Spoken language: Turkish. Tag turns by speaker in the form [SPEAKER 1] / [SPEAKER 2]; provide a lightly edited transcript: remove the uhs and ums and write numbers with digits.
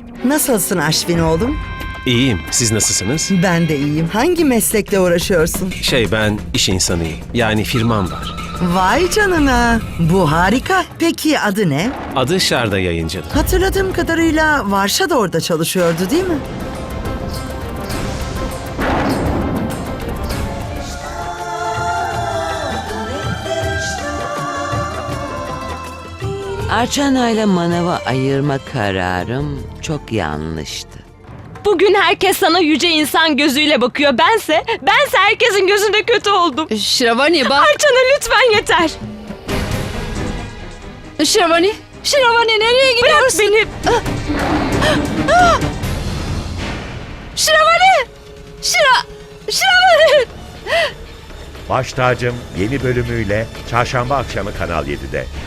[SPEAKER 1] Nasılsın Aşvin oğlum?
[SPEAKER 2] İyiyim. Siz nasılsınız?
[SPEAKER 1] Ben de iyiyim. Hangi meslekle uğraşıyorsun?
[SPEAKER 2] Ben iş insanıyım. Yani firmam var.
[SPEAKER 1] Vay canına. Bu harika. Peki adı ne?
[SPEAKER 2] Adı Şarda Yayıncılık.
[SPEAKER 1] Hatırladığım kadarıyla Varşa da orada çalışıyordu değil mi?
[SPEAKER 3] Arçana ile Manav'ı ayırma kararım çok yanlıştı.
[SPEAKER 4] Bugün herkes sana yüce insan gözüyle bakıyor. Bense herkesin gözünde kötü oldum.
[SPEAKER 5] Şravani bak.
[SPEAKER 4] Arçana lütfen yeter.
[SPEAKER 5] Şravani nereye
[SPEAKER 4] Bırak
[SPEAKER 5] gidiyorsun?
[SPEAKER 4] beni.
[SPEAKER 5] Şravani! Şravani!
[SPEAKER 6] Baş Tacım yeni bölümüyle çarşamba akşamı Kanal 7'de.